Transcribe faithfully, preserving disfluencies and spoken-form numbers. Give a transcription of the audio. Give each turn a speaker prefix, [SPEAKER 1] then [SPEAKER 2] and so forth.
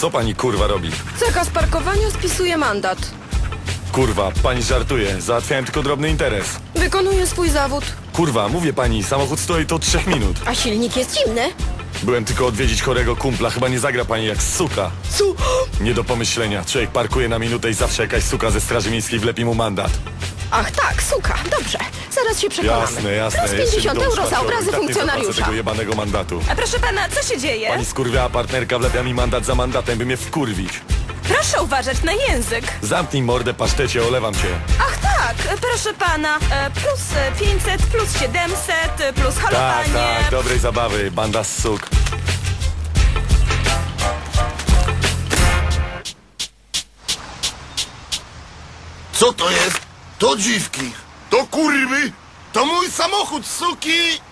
[SPEAKER 1] Co pani kurwa robi?
[SPEAKER 2] Zakaz parkowania spisuje mandat.
[SPEAKER 1] Kurwa, pani żartuje. Załatwiałem tylko drobny interes.
[SPEAKER 2] Wykonuje swój zawód.
[SPEAKER 1] Kurwa, mówię pani, samochód stoi to od trzech minut.
[SPEAKER 2] A silnik jest zimny.
[SPEAKER 1] Byłem tylko odwiedzić chorego kumpla. Chyba nie zagra pani jak suka.
[SPEAKER 2] Su...
[SPEAKER 1] Nie do pomyślenia. Człowiek parkuje na minutę i zawsze jakaś suka ze straży miejskiej wlepi mu mandat.
[SPEAKER 2] Ach tak, suka, dobrze. Zaraz się przekonamy.
[SPEAKER 1] Jasne, jasne.
[SPEAKER 2] Plus
[SPEAKER 1] Jeszcze
[SPEAKER 2] pięćdziesiąt
[SPEAKER 1] mi dom
[SPEAKER 2] euro za
[SPEAKER 1] szparciowy.
[SPEAKER 2] obrazy
[SPEAKER 1] Tak nie zapłacę
[SPEAKER 2] funkcjonariusza.
[SPEAKER 1] tego jebanego mandatu.
[SPEAKER 3] A proszę pana, co się dzieje?
[SPEAKER 1] Pani skurwiała partnerka wlepia mi mandat za mandatem, by mnie wkurwić.
[SPEAKER 3] Proszę uważać na język.
[SPEAKER 1] Zamknij mordę, pasztecie, olewam cię.
[SPEAKER 3] Ach tak, proszę pana, e, plus pięćset, plus siedemset, plus
[SPEAKER 1] Tak,
[SPEAKER 3] halowanie.
[SPEAKER 1] tak, dobrej zabawy, banda z suk.
[SPEAKER 4] Co to jest? To dziwki. To kurwy. To mój samochód, suki.